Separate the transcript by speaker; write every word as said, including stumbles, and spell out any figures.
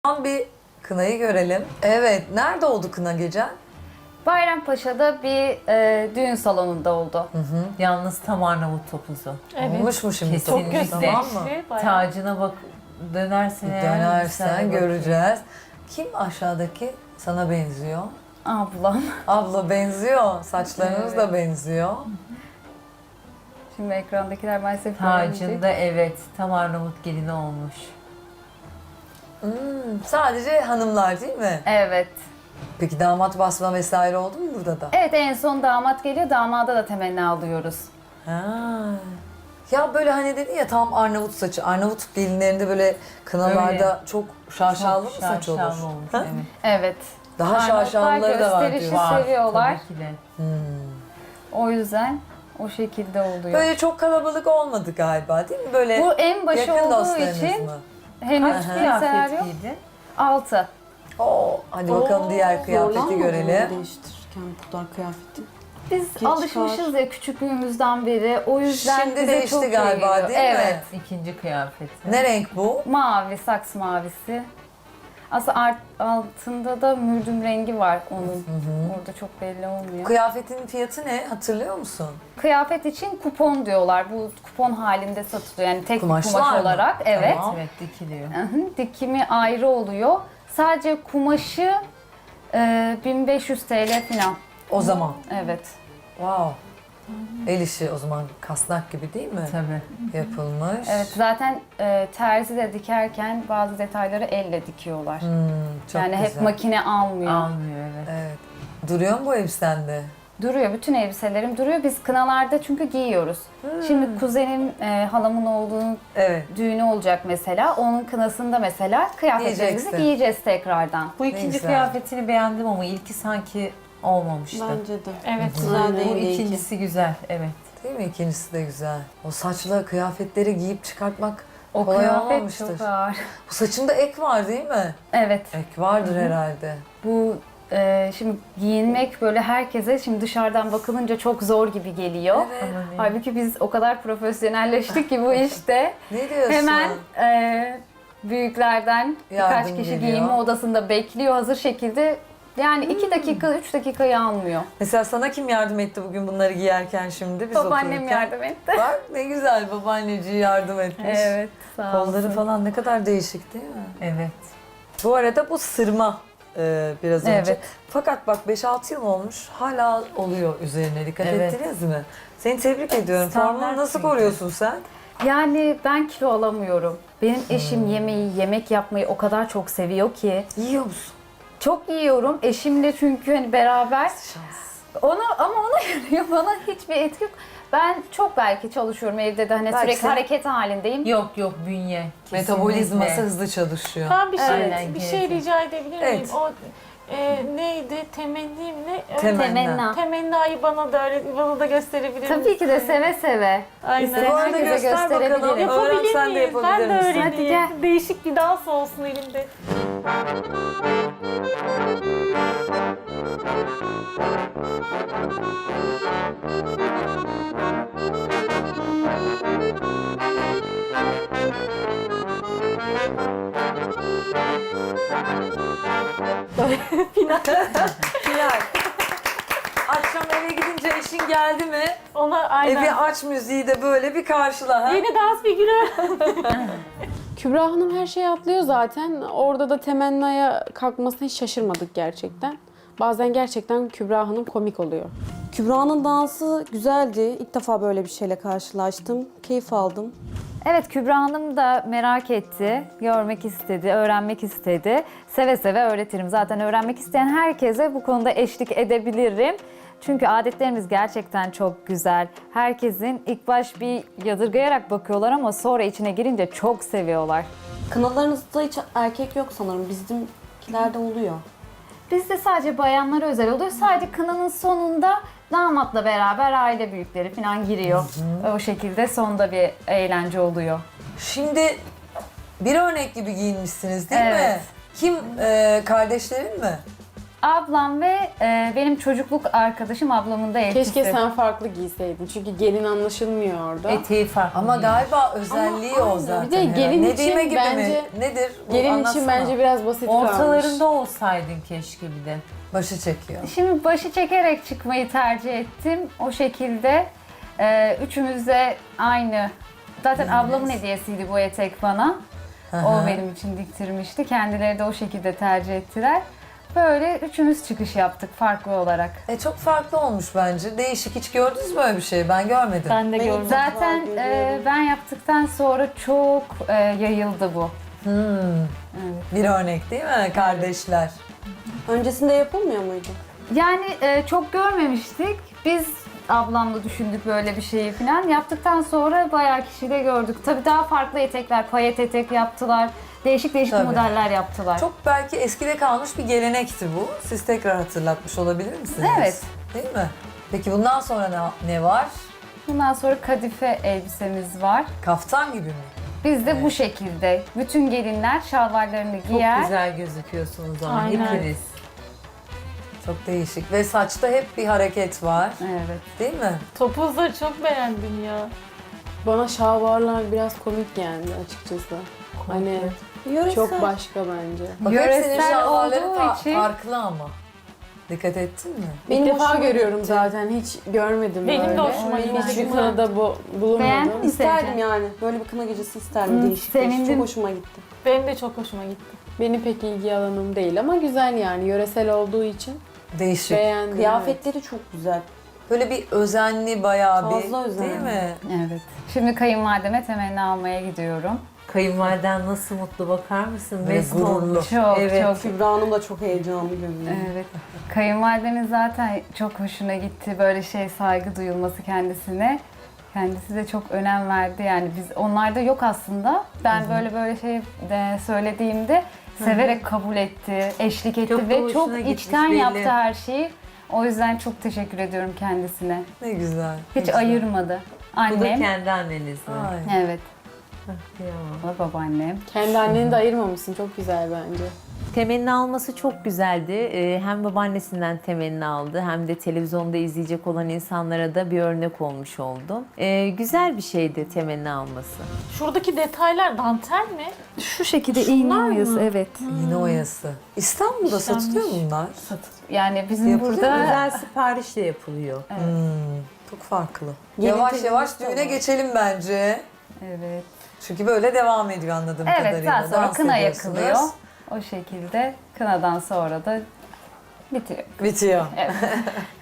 Speaker 1: Tam bir kınayı görelim. Evet, nerede oldu kına gecen?
Speaker 2: Bayrampaşa'da bir e, düğün salonunda oldu.
Speaker 1: Hı hı.
Speaker 3: Yalnız tam Arnavut topuzu.
Speaker 4: Evet.
Speaker 1: Olmuş mu şimdi?
Speaker 3: Kesinlikle.
Speaker 1: Çok güzel, tamam mı?
Speaker 4: Bayağı.
Speaker 3: Tacına bak, dönersen eğer
Speaker 1: Dönersen
Speaker 3: sen de
Speaker 1: göreceğiz. Kim aşağıdaki? Sana benziyor.
Speaker 2: Ablam.
Speaker 1: Abla benziyor. Saçlarınız da benziyor.
Speaker 2: Şimdi ekrandakiler maalesef
Speaker 3: bakayım.
Speaker 2: göremeyecek.
Speaker 3: Tacında evet, tam Arnavut gelini olmuş.
Speaker 1: Hmm, sadece hanımlar değil mi?
Speaker 2: Evet.
Speaker 1: Peki damat basma vesaire oldu mu burada da?
Speaker 2: Evet, en son damat geliyor. Damada da temenni alıyoruz.
Speaker 1: Ha. Ya böyle hani dedin ya tam Arnavut saçı. Arnavut gelinlerinde böyle kınalarda
Speaker 3: Öyle.
Speaker 1: çok şaşalı mı
Speaker 3: Çok
Speaker 1: saç olur?
Speaker 3: şaşalı olmuş,
Speaker 1: Ha?
Speaker 3: evet.
Speaker 2: Evet.
Speaker 1: Daha
Speaker 2: Arnavutlar
Speaker 1: şaşalıları da var
Speaker 2: gösterişi
Speaker 1: diyor.
Speaker 3: Var,
Speaker 2: seviyorlar.
Speaker 3: tabii ki de.
Speaker 1: Hmm.
Speaker 2: O yüzden o şekilde oluyor.
Speaker 1: Böyle çok kalabalık olmadı galiba değil mi? Böyle
Speaker 2: Bu en başı
Speaker 1: yakın
Speaker 2: olduğu
Speaker 1: dostlarınız
Speaker 2: için
Speaker 1: mı?
Speaker 2: henüz
Speaker 1: Aha.
Speaker 2: kimseler
Speaker 3: Kıyafet
Speaker 2: yok.
Speaker 3: giydi.
Speaker 2: Altı.
Speaker 1: Oo, hadi bakalım
Speaker 4: Oo,
Speaker 1: diğer kıyafeti
Speaker 5: Zorlanmadın mı
Speaker 1: görelim.
Speaker 5: değiştirirken bu kadar kıyafeti?
Speaker 2: Biz
Speaker 5: Geç
Speaker 2: alışmışız ya küçüklüğümüzden beri. O yüzden
Speaker 1: Şimdi
Speaker 2: bize
Speaker 1: değişti
Speaker 2: çok iyi
Speaker 1: galiba,
Speaker 2: geliyor.
Speaker 1: değil mi?
Speaker 2: Evet.
Speaker 3: İkinci kıyafeti.
Speaker 1: Ne renk bu?
Speaker 2: Mavi, saks mavisi. Aslında art- altında da mürdüm rengi var onun. Orada çok belli olmuyor.
Speaker 1: Kıyafetin fiyatı ne? Hatırlıyor musun?
Speaker 2: Kıyafet için kupon diyorlar. Bu kupon halinde satılıyor. Yani tek bir
Speaker 1: Kumaşlar
Speaker 2: kumaş
Speaker 1: mı?
Speaker 2: olarak. Evet.
Speaker 1: Tamam.
Speaker 3: Evet, dikiliyor.
Speaker 2: Hı hı, dikimi ayrı oluyor. Sadece kumaşı e, bin beş yüz T L falan.
Speaker 1: O zaman.
Speaker 2: Evet.
Speaker 1: Wow. El işi o zaman kasnak gibi değil mi?
Speaker 3: Tabii.
Speaker 1: Yapılmış.
Speaker 2: Evet, zaten e, terzi de dikerken bazı detayları elle dikiyorlar.
Speaker 1: Hmm, çok
Speaker 2: yani
Speaker 1: güzel.
Speaker 2: hep makine almıyor.
Speaker 3: Almıyor, evet.
Speaker 1: Evet. Duruyor mu bu elbisende?
Speaker 2: Duruyor, bütün elbiselerim duruyor. Biz kınalarda çünkü giyiyoruz. Şimdi kuzenim, e, halamın oğlunun
Speaker 1: Evet.
Speaker 2: düğünü olacak mesela. Onun kınasında mesela kıyafetlerimizi
Speaker 1: Giyeceksin.
Speaker 2: giyeceğiz tekrardan.
Speaker 3: Bu
Speaker 1: Ne
Speaker 3: ikinci
Speaker 1: güzel.
Speaker 3: kıyafetini beğendim ama ilki sanki olmamıştı.
Speaker 5: Bence de.
Speaker 4: Evet.
Speaker 5: Güzel
Speaker 3: Bu
Speaker 5: değil iyi ki.
Speaker 3: ikincisi güzel, evet.
Speaker 1: Değil mi? İkincisi de güzel. O saçla kıyafetleri giyip çıkartmak
Speaker 2: O
Speaker 1: kolay
Speaker 2: kıyafet
Speaker 1: olmamıştır.
Speaker 2: çok ağır.
Speaker 1: Bu saçında ek var değil mi?
Speaker 2: Evet.
Speaker 1: Ek vardır herhalde.
Speaker 2: Bu e, şimdi giyinmek böyle herkese şimdi dışarıdan bakılınca çok zor gibi geliyor.
Speaker 1: Evet.
Speaker 3: Ama ne-
Speaker 2: Halbuki biz o kadar profesyonelleştik ki bu işte.
Speaker 1: Ne diyorsun?
Speaker 2: Hemen e, büyüklerden
Speaker 1: Yardım
Speaker 2: birkaç kişi
Speaker 1: geliyor.
Speaker 2: giyinme odasında bekliyor hazır şekilde. Yani iki dakika, üç dakikayı almıyor.
Speaker 1: Mesela sana kim yardım etti bugün bunları giyerken şimdi biz
Speaker 2: Babaannem
Speaker 1: otururken?
Speaker 2: yardım etti.
Speaker 1: Bak ne güzel babaanneciği yardım etmiş.
Speaker 2: Evet, sağ olsun.
Speaker 1: Kolları falan ne kadar değişik değil mi?
Speaker 3: Evet.
Speaker 1: Bu arada bu sırma e, biraz önce.
Speaker 2: Evet.
Speaker 1: Fakat bak beş altı yıl olmuş hala oluyor üzerine. Dikkat
Speaker 3: Evet.
Speaker 1: ettiniz mi? Seni tebrik ediyorum.
Speaker 3: Standart
Speaker 1: Formunu nasıl
Speaker 3: çünkü.
Speaker 1: koruyorsun sen?
Speaker 2: Yani ben kilo alamıyorum. Benim eşim yemeği, yemek yapmayı o kadar çok seviyor ki.
Speaker 1: Yiyor musun?
Speaker 2: Çok yiyorum. Eşimle çünkü hani beraber.
Speaker 1: Şans.
Speaker 2: Ona ama ona yarıyor. Bana hiçbir etki yok. Ben çok belki çalışıyorum evde de hani
Speaker 1: Belki
Speaker 2: sürekli
Speaker 1: sen-
Speaker 2: hareket halindeyim.
Speaker 3: Yok yok, bünye.
Speaker 1: Metabolizması
Speaker 3: Kesinlikle.
Speaker 1: hızlı çalışıyor.
Speaker 4: Ben bir şey
Speaker 3: Aynen,
Speaker 4: bir şey
Speaker 3: gerekiyor.
Speaker 4: rica edebilir miyim?
Speaker 1: Evet.
Speaker 4: O e, neydi? Temennim ne?
Speaker 1: Temenna.
Speaker 2: Temenna.
Speaker 4: Temennayı bana da öğret, bana da gösterebilir misin?
Speaker 2: Tabii ki de seve seve.
Speaker 4: Aynen.
Speaker 1: Bu arada
Speaker 2: Herkese
Speaker 1: göster bakalım.
Speaker 2: gösterebilirim.
Speaker 1: Öğren
Speaker 4: Yapabilir
Speaker 1: sen de
Speaker 4: miyim?
Speaker 1: yapabilir
Speaker 4: Ben de
Speaker 1: misin?
Speaker 4: öğreneyim.
Speaker 2: Hadi gel.
Speaker 4: Değişik bir dans olsun elimde. Final.
Speaker 1: Hilal. Akşam eve gidince eşin geldi mi?
Speaker 4: Ona aynen.
Speaker 1: Evi aç müziği de böyle bir karşıla. Ha?
Speaker 4: Yeni dans figürü.
Speaker 5: Kübra Hanım her şeyi atlıyor zaten. Orada da temennaya kalkmasına hiç şaşırmadık gerçekten. Bazen gerçekten Kübra Hanım komik oluyor. Kübra'nın dansı güzeldi. İlk defa böyle bir şeyle karşılaştım. Keyif aldım.
Speaker 2: Evet, Kübra Hanım da merak etti, görmek istedi, öğrenmek istedi. Seve seve öğretirim. Zaten öğrenmek isteyen herkese bu konuda eşlik edebilirim. Çünkü adetlerimiz gerçekten çok güzel. Herkesin ilk baş bir yadırgayarak bakıyorlar ama sonra içine girince çok seviyorlar.
Speaker 5: Kınalarınızda hiç erkek yok sanırım. Bizimkilerde oluyor.
Speaker 2: Bizde sadece bayanlara özel oluyor. Sadece kınanın sonunda damatla beraber aile büyükleri falan giriyor. O şekilde sonda bir eğlence oluyor.
Speaker 1: Şimdi bir örnek gibi giyinmişsiniz değil mi?
Speaker 2: Evet.
Speaker 1: Kim? e, kardeşlerin mi?
Speaker 2: Ablam ve e, benim çocukluk arkadaşım ablamın da eltisi.
Speaker 5: Keşke sen farklı giyseydin. Çünkü gelin anlaşılmıyor orada.
Speaker 3: Eteği farklı.
Speaker 1: Ama
Speaker 3: giyiyor.
Speaker 1: galiba özelliği
Speaker 5: Ama
Speaker 1: o
Speaker 5: aynen.
Speaker 1: zaten.
Speaker 5: Bir de gelin
Speaker 1: herhalde.
Speaker 5: için
Speaker 1: Nedime gibi
Speaker 5: bence-
Speaker 1: mi? Nedir? Bu
Speaker 5: Gelin için
Speaker 1: anlatsana.
Speaker 5: bence biraz basit kalmış.
Speaker 3: Ortalarında olsaydın keşke bir de.
Speaker 1: Başı çekiyor.
Speaker 2: Şimdi başı çekerek çıkmayı tercih ettim. O şekilde e, üçümüz de aynı. Zaten ablamın hediyesiydi bu etek bana.
Speaker 1: Hı hı.
Speaker 2: O benim için diktirmişti. Kendileri de o şekilde tercih ettiler. Böyle üçümüz çıkış yaptık farklı olarak.
Speaker 1: E çok farklı olmuş bence. Değişik. Hiç gördünüz mü öyle bir şey? Ben görmedim.
Speaker 4: Ben de
Speaker 5: Benim
Speaker 4: gördüm.
Speaker 2: Zaten
Speaker 5: Var,
Speaker 2: e,
Speaker 5: görüyorum.
Speaker 2: ben yaptıktan sonra çok e, yayıldı bu.
Speaker 1: Hmm.
Speaker 2: Evet.
Speaker 1: Bir örnek değil mi? Kardeşler.
Speaker 5: Öncesinde yapılmıyor muydu?
Speaker 2: Yani e, çok görmemiştik. Biz ablamla düşündük böyle bir şeyi falan. Yaptıktan sonra bayağı kişi de gördük. Tabii daha farklı etekler, payet etek yaptılar. Değişik değişik
Speaker 1: Tabii.
Speaker 2: modeller yaptılar.
Speaker 1: Çok belki eskide kalmış bir gelenekti bu. Siz tekrar hatırlatmış olabilir misiniz?
Speaker 2: Evet.
Speaker 1: Değil mi? Peki bundan sonra ne, ne var?
Speaker 2: Bundan sonra kadife elbisemiz var.
Speaker 1: Kaftan gibi mi?
Speaker 2: Biz de bu şekilde. Bütün gelinler şalvarlarını
Speaker 3: Çok
Speaker 2: giyer.
Speaker 3: güzel gözüküyorsunuz ama
Speaker 4: Aynen.
Speaker 3: hepiniz.
Speaker 1: Çok değişik. Ve saçta hep bir hareket var.
Speaker 2: Evet.
Speaker 1: Değil mi?
Speaker 4: Topuzları çok beğendim ya.
Speaker 5: Bana şalvarlar biraz komik geldi açıkçası. Hani çok başka bence.
Speaker 1: Bak hep senin
Speaker 2: Yöresel
Speaker 1: şalvarların
Speaker 2: olduğu
Speaker 1: fa-
Speaker 2: için-
Speaker 1: farklı ama. Dikkat ettin mi?
Speaker 5: Benim
Speaker 4: İlk
Speaker 5: defa
Speaker 4: hoşuma
Speaker 5: görüyorum
Speaker 4: gitti.
Speaker 5: zaten. Hiç görmedim
Speaker 4: Benim de
Speaker 5: böyle.
Speaker 4: hoşuma
Speaker 5: Benim
Speaker 4: gitti.
Speaker 5: hiçbir kınada bu bulunmadım.
Speaker 2: Beğendin mi
Speaker 5: İsterdim
Speaker 2: Sevcan?
Speaker 5: yani. Böyle bir kına gecesi isterdim.
Speaker 2: Hı,
Speaker 5: Değişik değişik.
Speaker 2: sevindim.
Speaker 5: Çok hoşuma gitti.
Speaker 4: Benim de çok hoşuma gitti.
Speaker 5: Benim pek ilgi alanım değil ama güzel yani. Yöresel olduğu için
Speaker 1: Değişik.
Speaker 5: beğendim.
Speaker 6: Kıyafetleri çok güzel.
Speaker 1: Böyle bir özenli bayağı bir.
Speaker 6: Fazla özenli.
Speaker 1: Değil mi?
Speaker 2: Evet. Şimdi kayınvalideme temenni almaya gidiyorum.
Speaker 3: Kayınvaliden nasıl mutlu bakar mısın?
Speaker 1: Böyle
Speaker 3: Mesut
Speaker 1: gururlu.
Speaker 3: olmuş.
Speaker 2: Çok
Speaker 3: Evet.
Speaker 2: çok.
Speaker 6: Kübra Hanım da çok heyecanlı görünüyor.
Speaker 2: Evet. Kayınvalidemin zaten çok hoşuna gitti böyle şey saygı duyulması kendisine. Kendisi de çok önem verdi yani biz onlarda yok aslında. Ben böyle böyle şey de söylediğimde severek kabul etti, eşlik etti
Speaker 3: Çok da
Speaker 2: ve
Speaker 3: hoşuna
Speaker 2: çok
Speaker 3: gitmiş
Speaker 2: içten
Speaker 3: belli.
Speaker 2: yaptı her şeyi. O yüzden çok teşekkür ediyorum kendisine.
Speaker 1: Ne güzel.
Speaker 2: Hiç
Speaker 1: ne güzel.
Speaker 2: ayırmadı.
Speaker 3: Bu da
Speaker 2: Annem,
Speaker 3: kendi anneniz mi?
Speaker 1: Ay.
Speaker 2: evet,
Speaker 3: Kıyamam.
Speaker 2: o da babaannem.
Speaker 5: Kendi anneni de ayırmamışsın. Çok güzel bence.
Speaker 3: Temenni alması çok güzeldi. Ee, Hem babaannesinden temenni aldı hem de televizyonda izleyecek olan insanlara da bir örnek olmuş oldu. Ee, güzel bir şeydi temenni alması.
Speaker 4: Şuradaki detaylar dantel mi?
Speaker 2: Şu şekilde
Speaker 4: Şunlar
Speaker 2: iğne
Speaker 4: mı?
Speaker 2: oyası, evet.
Speaker 1: Yine oyası. İstanbul'da
Speaker 4: İşlenmiş.
Speaker 1: satılıyor mu bunlar?
Speaker 2: Yani bizim
Speaker 1: Yapılıyor mu?
Speaker 2: burada
Speaker 3: Özel siparişle yapılıyor.
Speaker 1: Hmm, çok farklı.
Speaker 6: Gelin
Speaker 1: yavaş
Speaker 6: teyzemiz
Speaker 1: yavaş
Speaker 6: de
Speaker 1: düğüne
Speaker 6: var.
Speaker 1: geçelim bence.
Speaker 2: evet.
Speaker 1: Çünkü böyle devam ediyor anladığım
Speaker 2: Evet,
Speaker 1: kadarıyla.
Speaker 2: daha sonra
Speaker 1: Dans
Speaker 2: kına
Speaker 1: ediyorsunuz.
Speaker 2: yakılıyor. O şekilde kınadan sonra da bitiyor.
Speaker 1: Bitiyor.
Speaker 2: Evet.